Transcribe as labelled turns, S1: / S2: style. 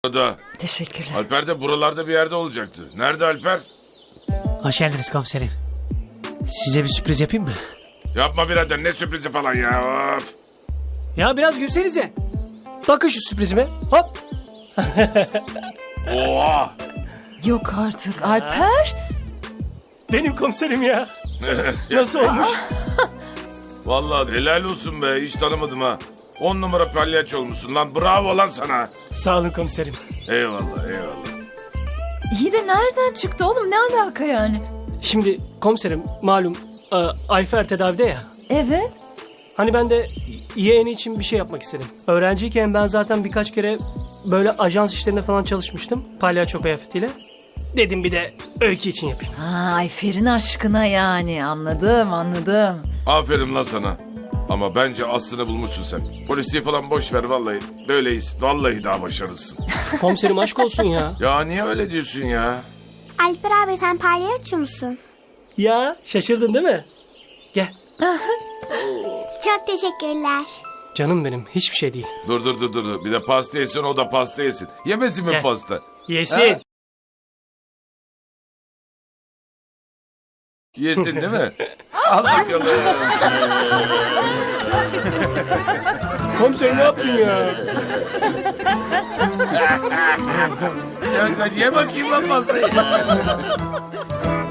S1: Da.
S2: Teşekkürler.
S1: Alper de buralarda bir yerde olacaktı. Nerede Alper?
S3: Hoş geldiniz komiserim. Size bir sürpriz yapayım mı?
S1: Yapma birader, ne sürprizi falan ya. Of.
S3: Ya biraz gülsenize. Bakın şu sürprizime. Hop.
S1: Oha.
S2: Yok artık Alper.
S3: Benim komiserim ya. Nasıl olmuş?
S1: Vallahi helal olsun be, hiç tanımadım ha. 10 numara palyaço olmuşsun lan, bravo lan sana.
S3: Sağ olun komiserim.
S1: Eyvallah eyvallah.
S2: İyi de nereden çıktı oğlum, ne alaka yani?
S3: Şimdi komiserim malum Ayfer tedavide ya.
S2: Evet.
S3: Hani ben de yeğeni için bir şey yapmak istedim. Öğrenciyken ben zaten birkaç kere böyle ajans işlerinde falan çalışmıştım. Palyaço kıyafetiyle. Dedim bir de Öykü için yapayım.
S2: Ha, Ayfer'in aşkına yani, anladım.
S1: Aferin lan sana. Ama bence aslını bulmuşsun sen. Polisiye falan boş ver vallahi. Böyleyiz. Vallahi daha başarılısın.
S3: Komiserim aşk olsun ya.
S1: Ya niye öyle diyorsun ya?
S4: Alper abi sen palyaço musun?
S3: Ya şaşırdın değil mi? Gel.
S4: Çok teşekkürler.
S3: Canım benim hiçbir şey değil.
S1: Dur. Bir de pasta yesin, o da pasta yesin. Yemesin mi
S3: Gel.
S1: pasta?
S3: Yesin.
S1: Yesin değil mi? Al bakalım.
S3: Komiserim ne yaptın ya?
S1: Sen ye bakayım lan pastayı.